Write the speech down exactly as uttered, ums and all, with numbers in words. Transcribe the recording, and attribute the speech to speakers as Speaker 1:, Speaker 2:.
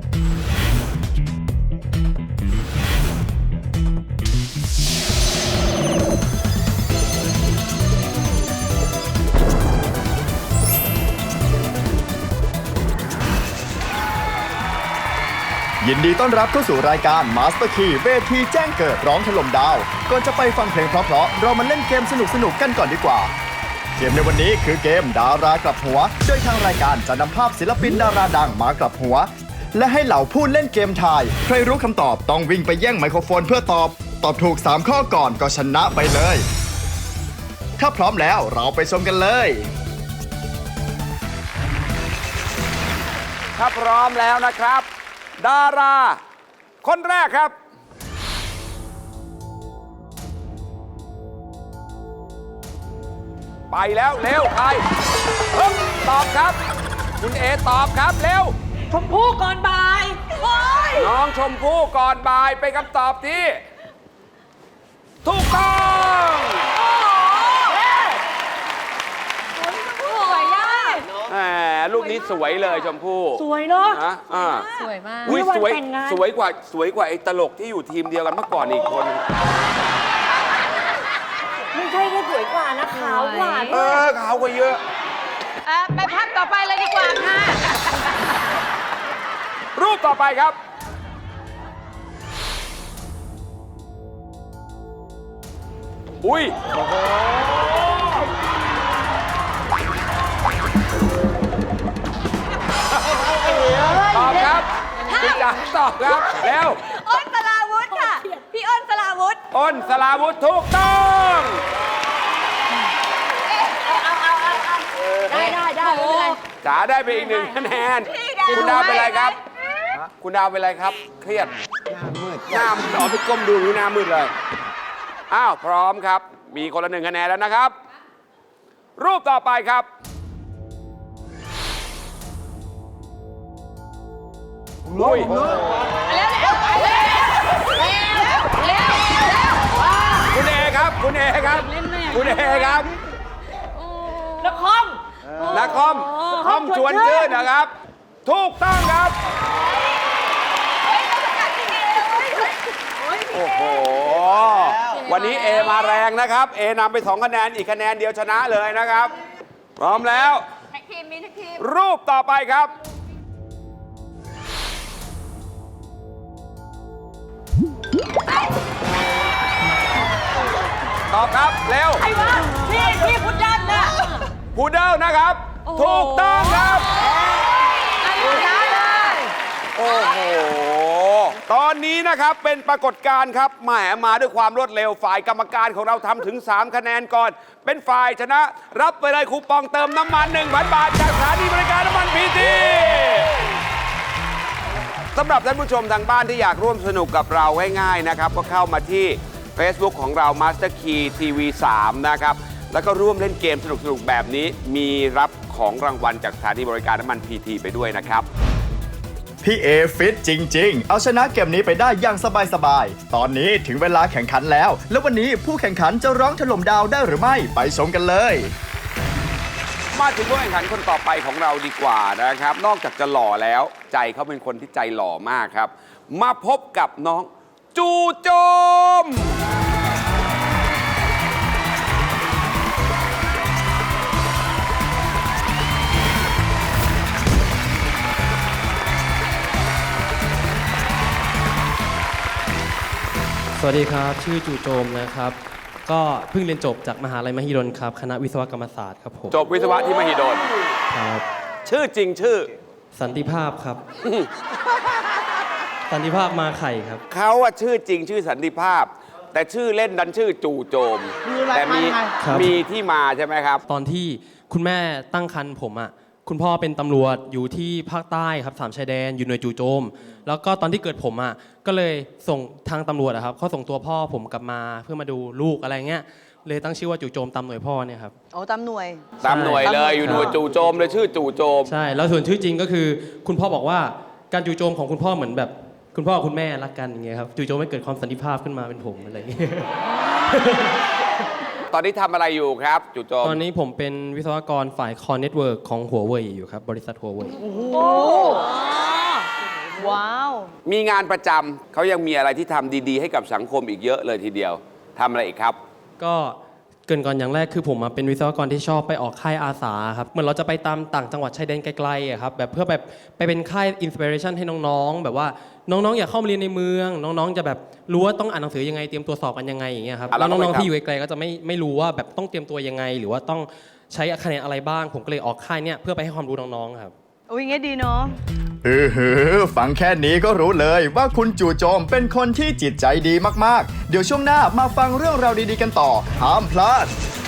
Speaker 1: ยินดีต้อนรับเข้าสู่รายการ Master Key เวทีแจ้งเกิดร้องถล่มดาวก่อนจะไปฟังเพลงเพราะๆเรามาเล่นเกมสนุกๆกันก่อนดีกว่าเกมในวันนี้คือเกมดารากลับหัวโดยทางรายการจะนำภาพศิลปินดาราดังมากลับหัวและให้เหล่าผู้เล่นเกมทายใครรู้คำตอบต้องวิ่งไปแย่งไมโครโฟนเพื่อตอบตอบถูกสามข้อก่อนก็ชนะไปเลยถ้าพร้อมแล้วเราไปชมกันเลย
Speaker 2: ถ้าพร้อมแล้วนะครับดาราคนแรกครับไปแล้วเร็วใครฮึบตอบครับคุณเอตอบครับเร็ว
Speaker 3: ชมพู่ก่อนบ่ายโอ้ย
Speaker 2: น้องชมพู่ก่อนบ่ายเป็นคำตอบที่ถูกต้อง
Speaker 3: สวยอ่ะ
Speaker 2: แหมลูกนี้สวยเลยชมพู่
Speaker 3: สวยเนาะ
Speaker 2: อ่า
Speaker 4: สวยมาก
Speaker 2: อุ้ยสวยสวยกว่าสวยกว่าไอ้ตลกที่อยู่ทีมเดียวกันเมื่อก่อนอีกคน
Speaker 3: ไม่ใช่แค่สวยกว่านะขาวกว่า
Speaker 2: เออขาวกว่าเยอะ
Speaker 4: ไปภาพต่อไปเลยดีกว่าค่ะ
Speaker 2: รูปต่อไปครับอุ้ยตอบครับคุณจ๋าตอบครับแล้ว
Speaker 5: อ้นสลาวุธค่ะพี่อ้นสลาวุธ
Speaker 2: อ้นสลาวุธถูกต้อง
Speaker 3: ได้ได้ได้
Speaker 2: จ๋าได้ไปอีกหนึ่งคะแนนคุณดาวเป็นไรครับคุณดาวเป็นไรครับเครียดหน้ามืดหน้ามืดอ๋อไปก้มดูอยู่หน้ามืดเลยอ้าวพร้อมครับมีคนละหนึ่งคะแนนแล้วนะครับรูปต่อไปครับลุย
Speaker 4: เร็วเร็วเร็วเร็วเร็ว
Speaker 2: คุณเอครับคุณเอครับคุณเอครับ
Speaker 3: นักคอม
Speaker 2: นักคอมคอมชวนชื่นนะครับถูกต้องครับโอ้โหวันนี้เอมาแรงนะครับเอนำไปสองคะแนนอีกคะแนนเดียวชนะเลยนะครับพร้อมแล้วรูปต่อไปครับตอบครับเร็ว
Speaker 3: ใครวะพี่พี่พุดเดิ้ลนะ
Speaker 2: พุดเดิ้ลนะครับถูกต้องครับโอ้โหตอนนี้นะครับเป็นปรากฏการณ์ครับแหมมาด้วยความรวดเร็วฝ่ายกรรมการของเราทำถึงสามคะแนนก่อนเป็นฝ่ายชนะรับไปเลยคูปองเติมน้ำมัน หนึ่งพัน บาทจากสถานีบริการน้ำมันพีทีสำหรับท่านผู้ชมทางบ้านที่อยากร่วมสนุกกับเราง่ายๆนะครับก็เข้ามาที่ Facebook ของเรา Master Key ที วี สาม นะครับแล้วก็ร่วมเล่นเกมสนุกๆแบบนี้มีรับของรางวัลจากสถานีบริการน้ำมัน พี ที ไปด้วยนะครับ
Speaker 1: พี่เอฟิตจริงๆเอาชนะเกมนี้ไปได้อย่างสบายๆตอนนี้ถึงเวลาแข่งขันแล้วแล้ววันนี้ผู้แข่งขันจะร้องถล่มดาวได้หรือไม่ไปชมกันเลย
Speaker 2: มาถึงผู้แข่งขันคนต่อไปของเราดีกว่านะครับนอกจากจะหล่อแล้วใจเขาเป็นคนที่ใจหล่อมากครับมาพบกับน้องจู่โจม
Speaker 6: สวัสดีครับชื่อจู่โจมนะครับก็เพิ่งเรียนจบจากมหาลัยมหิดลครับคณะวิศวกรรมศาสตร์ครับผม
Speaker 2: จบวิศวะที่มหิดล
Speaker 6: ครับ
Speaker 2: ชื่อจริงชื่อ
Speaker 6: สันติภาพครับ สันติภาพมาไข่ครับ
Speaker 2: เขาว่าชื่อจริงชื่อสันติภาพแต่ชื่อเล่นดันชื่อจู่โจมแต่มีมีที่มาใช่ไหมครับ
Speaker 6: ตอนที่คุณแม่ตั้งครรภ์ผมอ่ะคุณพ่อเป็นตำรวจอยู่ที่ภาคใต้ครับสามชายแดนอยู่หน่วยจู่โจมแล้วก็ตอนที่เกิดผมอ่ะก็เลยส่งทางตำรวจอะครับเขาส่งตัวพ่อผมกลับมาเพื่อมาดูลูกอะไรเงี้ยเลยตั้งชื่อว่าจู่โจมตามหน่วยพ่อเนี่ยครับ
Speaker 5: โอ้ตามหน่วย
Speaker 2: ตามหน่วยเลยอยู่หน่วยจู่โจมเลยชื่อจู่โจม
Speaker 6: ใช่แล้วส่วนชื่อจริงก็คือคุณพ่อบอกว่าการจู่โจมของคุณพ่อเหมือนแบบคุณพ่อคุณแม่รักกันอย่างเงี้ยครับจู่โจมไม่เกิดความสันติภาพขึ้นมาเป็นผมอะไรอย่างเงี้ย
Speaker 2: ตอนนี้ทำอะไรอยู่ครับจู่โจม
Speaker 6: ตอนนี้ผมเป็นวิศวกรฝ่ายคอร์เน็ตเวิร์กของหัวเว่ยอยู่ครับบริษัทหัวเว่ย
Speaker 3: โอ้โห
Speaker 5: ว้าว
Speaker 2: มีงานประจำเขายังมีอะไรที่ทำดีๆ ให้กับสังคมอีกเยอะเลยทีเดียวทำอะไรอีกครับ
Speaker 6: ก็เกรินก่อนอย่างแรกคือผมอะเป็นวิศวกรที่ชอบไปออกค่ายอาสาครับเหมือนเราจะไปตามต่างจังหวัดชายแดนไกลๆอะครับแบบเพื่อแบบไปเป็นค่ายอินสปิเรชันให้น้องๆ แบบว่าน้องๆ อยากเข้ามาเรียนในเมือง น้องๆ จะแบบรู้ว่าต้องอ่านหนังสือยังไงเตรียมตัวสอบกันยังไงอย่างเงี้ยครับ
Speaker 2: อ่ะแล้
Speaker 6: แล้ว ว
Speaker 2: ทำไม
Speaker 6: น้อง
Speaker 2: ครับ
Speaker 6: ๆที่อยู่ไกลๆก็จะไม่ไม่รู้ว่าแบบต้องเตรียมตัวยังไง หรือว่าต้องใช้คะแนนอะไรบ้าง ผมก็เลยออกค่ายเนี่ยเพื่อไปให้ความรู้น้องๆครับ
Speaker 5: อุ้ยงี้ดีเนาะ
Speaker 1: เออหือฟังแค่นี้ก็รู้เลยว่าคุณจู่โจมเป็นคนที่จิตใจดีมากๆ เดี๋ยวช่วงหน้ามาฟังเรื่องราวดีๆกันต่อห้ามพลาด